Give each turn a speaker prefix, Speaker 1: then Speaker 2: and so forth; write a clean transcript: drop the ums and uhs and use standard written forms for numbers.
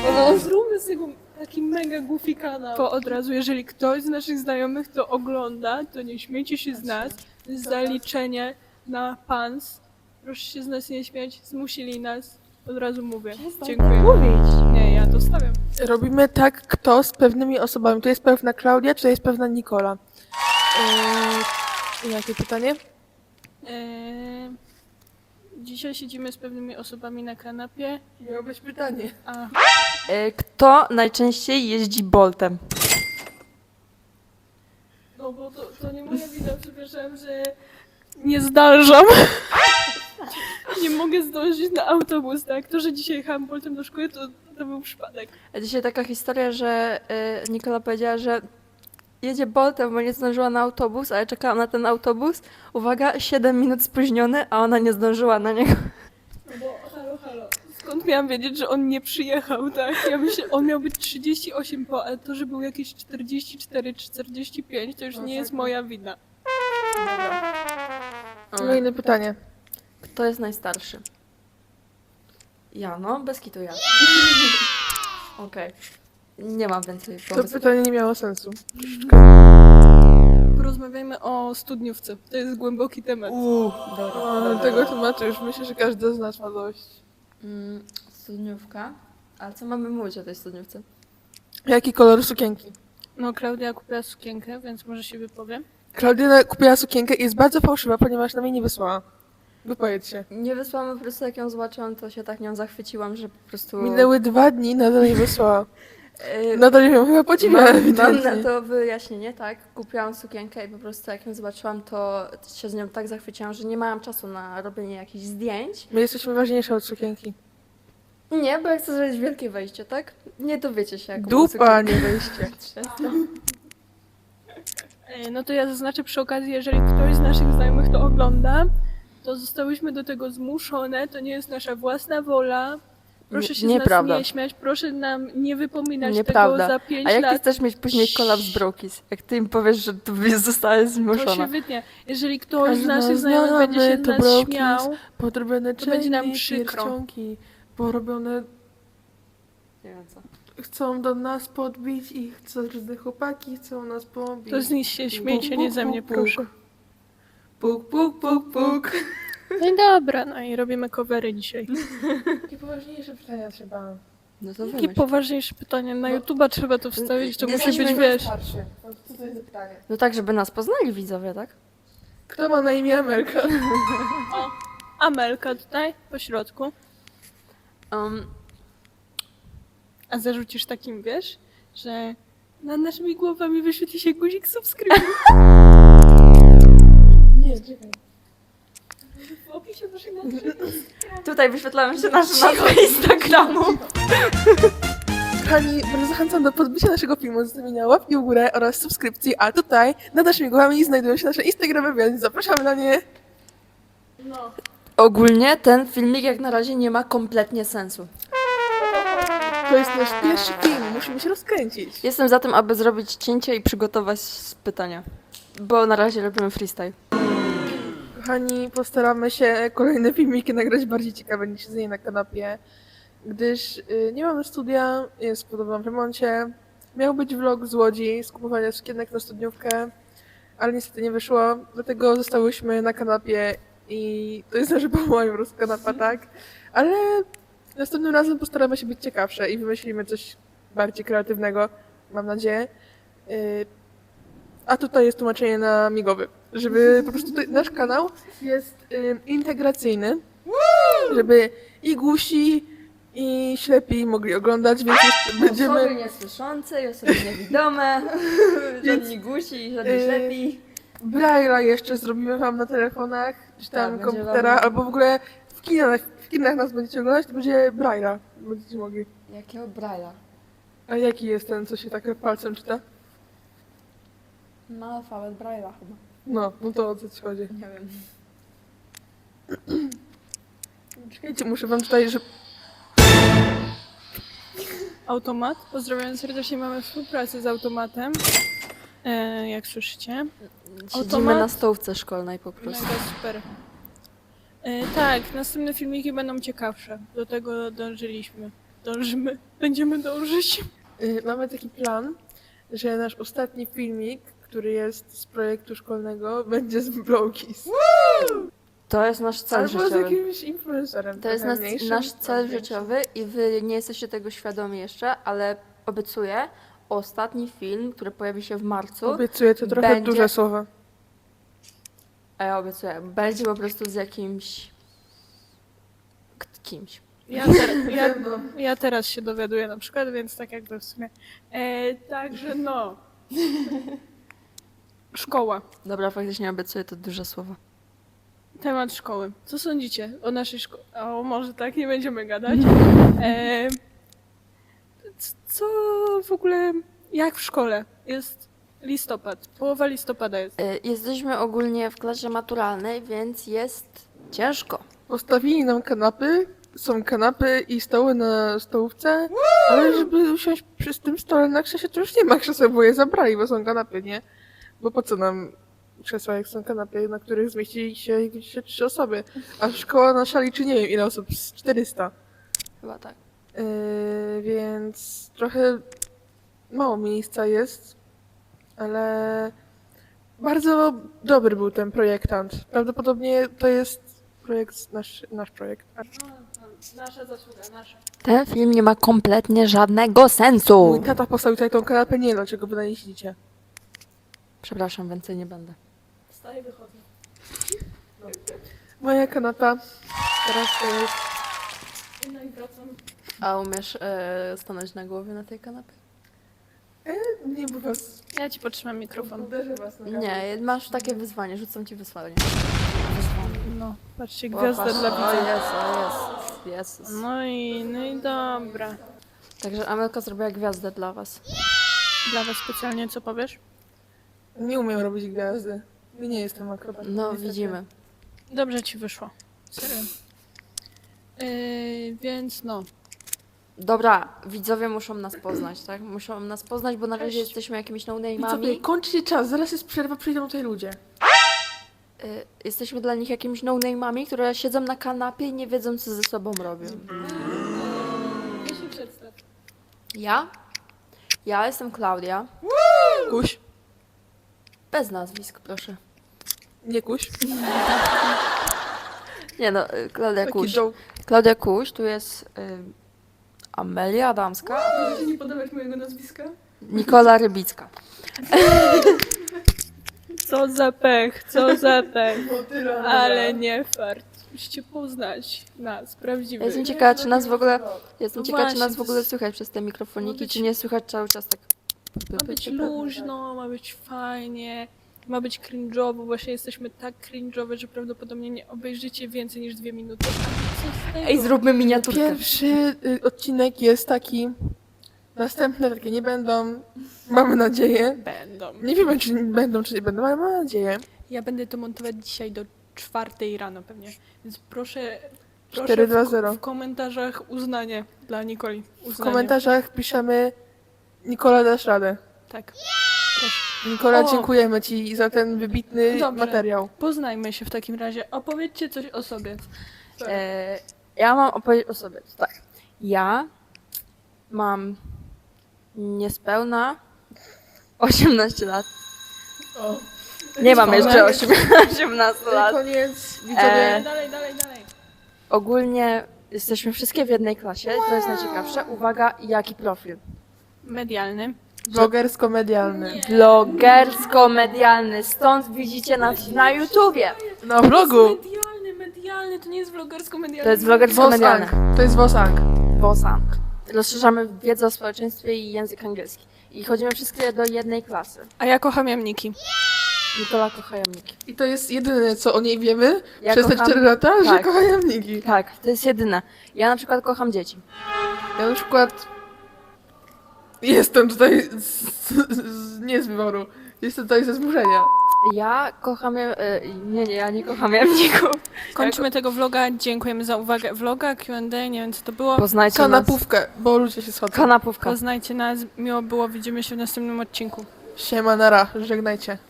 Speaker 1: Zróbmy z tego taki mega goofy kanał. To od razu, jeżeli ktoś z naszych znajomych to ogląda, to nie śmiejcie się z nas. To jest zaliczenie na pans. Proszę się z nas nie śmiać, zmusili nas. Od razu mówię. Dziękuję. Nie, ja to stawiam.
Speaker 2: Robimy tak, kto z pewnymi osobami. Tu jest pewna Klaudia, czy jest pewna Nikola? Jakie pytanie?
Speaker 1: Dzisiaj siedzimy z pewnymi osobami na kanapie.
Speaker 2: Miało być pytanie.
Speaker 1: A
Speaker 3: Kto najczęściej jeździ Boltem?
Speaker 1: no bo to nie moja wina, przepraszam, że nie zdążam. Nie mogę zdążyć na autobus, tak? To, że dzisiaj jechałam Boltem do szkoły, to był przypadek.
Speaker 3: A dzisiaj taka historia, że Nikola powiedziała, że jedzie Boltem, bo nie zdążyła na autobus, ale czekała na ten autobus. Uwaga, 7 minut spóźniony, a ona nie zdążyła na niego.
Speaker 1: No bo halo. Skąd miałam wiedzieć, że on nie przyjechał, tak? Ja myślę, on miał być 38 po, ale to, że był jakieś 44 czy 45, to już nie jest moja wina.
Speaker 2: Kolejne pytanie.
Speaker 3: Kto jest najstarszy? Ja, no, bez kitu ja. Okej. Nie mam więcej
Speaker 2: To
Speaker 3: pomysłów.
Speaker 2: pytanie nie miało sensu.
Speaker 1: Porozmawiajmy o studniówce. To jest głęboki temat.
Speaker 2: Tego tematu już myślę, że każdy z nas ma dość.
Speaker 3: Studniówka. A co mamy mówić o tej studniówce?
Speaker 2: Jaki kolor sukienki?
Speaker 1: No, Klaudia kupiła sukienkę, więc może się wypowiem.
Speaker 2: Klaudia kupiła sukienkę i jest bardzo fałszywa, ponieważ nam jej nie wysłała. Wypowiedz się.
Speaker 3: Nie wysłałam, po prostu jak ją zobaczyłam, to się tak nią zachwyciłam, że po prostu...
Speaker 2: Minęły 2 dni, nadal jej wysłała.
Speaker 3: Yy,
Speaker 2: Nadal ją chyba podziwia,
Speaker 3: mam
Speaker 2: ewidentnie.
Speaker 3: na to wyjaśnienie, tak. Kupiłam sukienkę i po prostu jak ją zobaczyłam, to się z nią tak zachwyciłam, że nie miałam czasu na robienie jakichś zdjęć.
Speaker 2: My jesteśmy ważniejsze od sukienki.
Speaker 3: Nie, bo ja chcę zrobić wielkie wejście, tak? Nie dowiecie się, jak
Speaker 2: Dupa, nie wejście.
Speaker 1: No to ja zaznaczę przy okazji, jeżeli ktoś z naszych znajomych to ogląda, to zostałyśmy do tego zmuszone, to nie jest nasza własna wola. Proszę się z nas
Speaker 3: Nieprawda.
Speaker 1: nie śmiać, proszę nam nie wypominać
Speaker 3: Nieprawda.
Speaker 1: tego za 5
Speaker 3: A jak ty
Speaker 1: lat.
Speaker 3: chcesz mieć później kolaps Brokis? Jak ty im powiesz, że tu zostałeś
Speaker 1: To się
Speaker 3: zmuszona?
Speaker 1: wytnie. Jeżeli ktoś
Speaker 2: Każdy
Speaker 1: z naszych
Speaker 2: nas
Speaker 1: znajomych będzie się z
Speaker 2: znamy, to
Speaker 1: nas
Speaker 2: brokis.
Speaker 1: śmiał,
Speaker 2: Podrobione
Speaker 1: To będzie nam
Speaker 2: chainy,
Speaker 1: przykro.
Speaker 2: pierścionki, porobione
Speaker 3: Nie wiem co.
Speaker 2: chcą do nas podbić i chcą, że chłopaki chcą nas pobić.
Speaker 1: to z nich się śmiejcie, nie ze mnie, proszę.
Speaker 2: Puk, puk, puk, puk.
Speaker 1: No i dobra, no i robimy covery dzisiaj.
Speaker 2: Takie poważniejsze pytania trzeba.
Speaker 3: No to
Speaker 1: Jakie
Speaker 3: wymyśl.
Speaker 1: poważniejsze pytanie? Na YouTube'a trzeba to wstawić, to musi
Speaker 3: Jesteśmy
Speaker 1: być, wiesz...
Speaker 2: Starszy. No, co to jest za pytanie?
Speaker 3: No tak, żeby nas poznali widzowie, tak?
Speaker 2: Kto ma na imię Amelka?
Speaker 1: Amelka tutaj, po środku.
Speaker 3: Um,
Speaker 1: A zarzucisz takim, wiesz, że nad naszymi głowami wyświetli się guzik subskrybuj.
Speaker 2: Nie, czekaj.
Speaker 1: W opisie naszego
Speaker 3: tutaj wyświetlamy się nasze nazwy Instagramu.
Speaker 2: Kochani, bardzo zachęcam do podbicia naszego filmu, zostawienia łapki w górę oraz subskrypcji, a tutaj nad naszymi głowami znajdują się nasze Instagramy, więc zapraszamy na nie.
Speaker 1: No.
Speaker 3: Ogólnie ten filmik jak na razie nie ma kompletnie sensu.
Speaker 2: To jest nasz pierwszy film, musimy się rozkręcić.
Speaker 3: Jestem za tym, aby zrobić cięcie i przygotować pytania. Bo na razie robimy freestyle.
Speaker 2: Kochani, postaramy się kolejne filmiki nagrać bardziej ciekawe niż siedzenie na kanapie, gdyż nie mamy studia, jest w podobnym remoncie. Miał być vlog z Łodzi, z kupowania sukienek na studniówkę, ale niestety nie wyszło, dlatego zostałyśmy na kanapie i to jest nasza po prostu kanapa, tak? Ale następnym razem postaramy się być ciekawsze i wymyślimy coś bardziej kreatywnego, mam nadzieję. A tutaj jest tłumaczenie na migowy, żeby po prostu nasz kanał jest integracyjny, żeby i głusi, i ślepi mogli oglądać, więc jeszcze
Speaker 3: Osoby
Speaker 2: będziemy...
Speaker 3: niesłyszące i osoby niewidome, żadni gusi, żadni ślepi.
Speaker 2: Braille'a jeszcze zrobimy wam na telefonach, czy tam
Speaker 3: Tak, będzie
Speaker 2: komputera,
Speaker 3: wam-
Speaker 2: albo w ogóle w kinach nas będziecie oglądać, to będzie Braille'a, będziecie mogli.
Speaker 3: Jakiego Braille'a?
Speaker 2: A jaki jest ten, co się tak palcem czyta?
Speaker 3: Ma alfabet Braille'a chyba.
Speaker 2: No to o co ci chodzi?
Speaker 3: Nie wiem.
Speaker 2: Czekajcie, muszę wam tutaj, że...
Speaker 1: Automat. Pozdrawiam serdecznie, mamy współpracę z automatem. Jak słyszycie.
Speaker 3: Siedzimy
Speaker 1: Automat?
Speaker 3: na stołówce szkolnej po prostu.
Speaker 1: Mega super. Tak, następne filmiki będą ciekawsze. Do tego dążyliśmy. Dążymy. Będziemy dążyć.
Speaker 2: Mamy taki plan, że nasz ostatni filmik, który jest z projektu szkolnego, będzie z Blogis.
Speaker 3: To jest nasz cel
Speaker 2: Albo z
Speaker 3: życiowy.
Speaker 2: jakimś influencerem.
Speaker 3: To jest
Speaker 2: trochę mniejszym,
Speaker 3: nasz cel
Speaker 2: większym.
Speaker 3: życiowy i wy nie jesteście tego świadomi jeszcze, ale obiecuję, ostatni film, który pojawi się w marcu,
Speaker 2: Obiecuję, to trochę
Speaker 3: Będzie-
Speaker 2: duże słowa.
Speaker 3: a ja obiecuję, będzie po prostu z jakimś kimś.
Speaker 1: Ja teraz się dowiaduję na przykład, więc tak jakby w sumie. Także no. Szkoła.
Speaker 3: Dobra, faktycznie obiecuję, to duże słowo.
Speaker 1: Temat szkoły. Co sądzicie o naszej szkole? O, może tak, nie będziemy gadać. Co w ogóle, jak w szkole? Jest listopad, połowa listopada jest.
Speaker 3: Jesteśmy ogólnie w klasie maturalnej, więc jest ciężko.
Speaker 2: Postawili nam kanapy, są kanapy i stoły na stołówce, ale żeby usiąść przy tym stole na krzesie, to już nie ma krzeseł, bo je zabrali, bo są kanapy, nie? Bo po co nam krzesła, jak są kanapy, na których zmieści się 3 osoby? A szkoła nasza liczy nie wiem ile osób, z 400.
Speaker 3: Chyba tak.
Speaker 2: Więc trochę mało miejsca jest, ale bardzo dobry był ten projektant. Prawdopodobnie to jest nasz projekt.
Speaker 1: Nasza zasługa, nasza.
Speaker 3: Ten film nie ma kompletnie żadnego sensu.
Speaker 2: Mój tata postawił tutaj tą kanapę, nie wiem dlaczego wy na niej siedzicie.
Speaker 3: Przepraszam, więcej nie będę.
Speaker 1: Wstaję, wychodzę.
Speaker 2: Moja kanapa teraz to jest...
Speaker 1: No i wracam.
Speaker 3: A umiesz stanąć na głowie na tej kanapie?
Speaker 2: Nie, bo was...
Speaker 1: Ja ci potrzymam mikrofon.
Speaker 2: Uderzę was na
Speaker 3: Nie, masz takie wyzwanie, rzucam ci wyzwanie.
Speaker 1: No, patrzcie, gwiazda dla
Speaker 3: O
Speaker 1: widza.
Speaker 3: jest, o jest. Jezus.
Speaker 1: No i dobra.
Speaker 3: Także Amelka zrobiła gwiazdę dla was.
Speaker 1: Dla was specjalnie co powiesz?
Speaker 2: Nie umiem robić gwiazdy. Nie jestem akrobatą.
Speaker 3: No,
Speaker 2: niestety.
Speaker 3: widzimy.
Speaker 1: Dobrze ci wyszło. Serio. Więc no.
Speaker 3: Dobra, widzowie muszą nas poznać, tak? Muszą nas poznać, bo na razie
Speaker 1: Cześć.
Speaker 3: jesteśmy jakimiś
Speaker 2: I co
Speaker 3: no-name'ami.
Speaker 2: kończy czas, zaraz jest przerwa, przyjdą tutaj ludzie.
Speaker 3: Jesteśmy dla nich jakimiś no-name'ami, które siedzą na kanapie i nie wiedzą, co ze sobą robią.
Speaker 1: Ja się przedstaw.
Speaker 3: Ja? Ja jestem Klaudia.
Speaker 2: Kuś.
Speaker 3: Bez nazwisk, proszę.
Speaker 2: Nie kuś.
Speaker 3: Nie no, Klaudia
Speaker 2: Taki
Speaker 3: Kuś.
Speaker 2: joke.
Speaker 3: Klaudia Kuś, tu jest Amelia Adamska,
Speaker 1: Możecie nie podawać mojego nazwiska?
Speaker 3: Nikola Rybicka.
Speaker 1: Co za pech, co za pech. Ale nie fart. Musicie poznać nas,
Speaker 3: Ja
Speaker 1: prawdziwych.
Speaker 3: jestem ciekawa, czy nas w ogóle,
Speaker 1: No właśnie,
Speaker 3: w ogóle słychać przez te mikrofoniki,
Speaker 1: być-
Speaker 3: czy nie słychać cały czas tak.
Speaker 1: Ma być luźno, ma być fajnie, ma być cringe'owo. Właśnie jesteśmy tak cringe'owe, że prawdopodobnie nie obejrzycie więcej niż 2 minuty. A co z tego?
Speaker 3: Ej, zróbmy miniaturkę.
Speaker 2: Pierwszy odcinek jest taki. Następne takie nie będą. Mamy nadzieję.
Speaker 1: Będą.
Speaker 2: Nie wiemy, czy będą, czy nie będą, ale mam nadzieję.
Speaker 1: Ja będę to montować dzisiaj do 4 rano pewnie. Więc proszę
Speaker 2: 4-2-0.
Speaker 1: w komentarzach uznanie dla Nikoli.
Speaker 2: W
Speaker 1: Uznanie.
Speaker 2: komentarzach piszemy Nikola, dasz radę.
Speaker 1: Tak. Proszę.
Speaker 2: Nikola,
Speaker 1: O!
Speaker 2: dziękujemy ci za ten wybitny
Speaker 1: Dobrze.
Speaker 2: materiał.
Speaker 1: Poznajmy się w takim razie. Opowiedzcie coś o sobie.
Speaker 3: Ja mam opowiedzieć o sobie. Tak. Ja mam niespełna 18 lat.
Speaker 2: O.
Speaker 3: Nie mam
Speaker 2: Koniec.
Speaker 3: jeszcze 18 lat.
Speaker 2: Koniec, widzowie.
Speaker 1: Dalej.
Speaker 3: Ogólnie jesteśmy wszystkie w jednej klasie, to jest najciekawsze. Uwaga, jaki profil?
Speaker 1: Medialny.
Speaker 2: Vlogersko-medialny.
Speaker 3: Vlogersko-medialny, stąd widzicie nas na YouTubie.
Speaker 2: Na vlogu.
Speaker 1: Medialny, to nie jest vlogersko-medialny.
Speaker 3: To jest vlogersko-medialny.
Speaker 2: Wosang. To jest Wosang.
Speaker 3: Bosan. Rozszerzamy wiedzę o społeczeństwie i język angielski. I chodzimy wszystkie do jednej klasy.
Speaker 1: A ja kocham jamniki.
Speaker 3: Nikola kocha jamniki.
Speaker 2: I to jest jedyne, co o niej wiemy
Speaker 3: Ja
Speaker 2: przez te
Speaker 3: kocham-
Speaker 2: 4 lata, że
Speaker 3: tak.
Speaker 2: kocha jamniki.
Speaker 3: Tak, to jest jedyne. Ja na przykład kocham dzieci.
Speaker 2: Ja na przykład jestem tutaj nie z wyboru. Jestem tutaj ze zmuszenia.
Speaker 3: Ja kocham... nie, ja nie kocham jamników.
Speaker 1: Kończymy tego vloga. Dziękujemy za uwagę. Vloga, Q&A, nie wiem co to było.
Speaker 3: Poznajcie nas.
Speaker 2: Kanapówkę, bo ludzie się schodzą.
Speaker 3: Kanapówka.
Speaker 1: Poznajcie nas. Miło było. Widzimy się w następnym odcinku.
Speaker 2: Siema, nara, żegnajcie.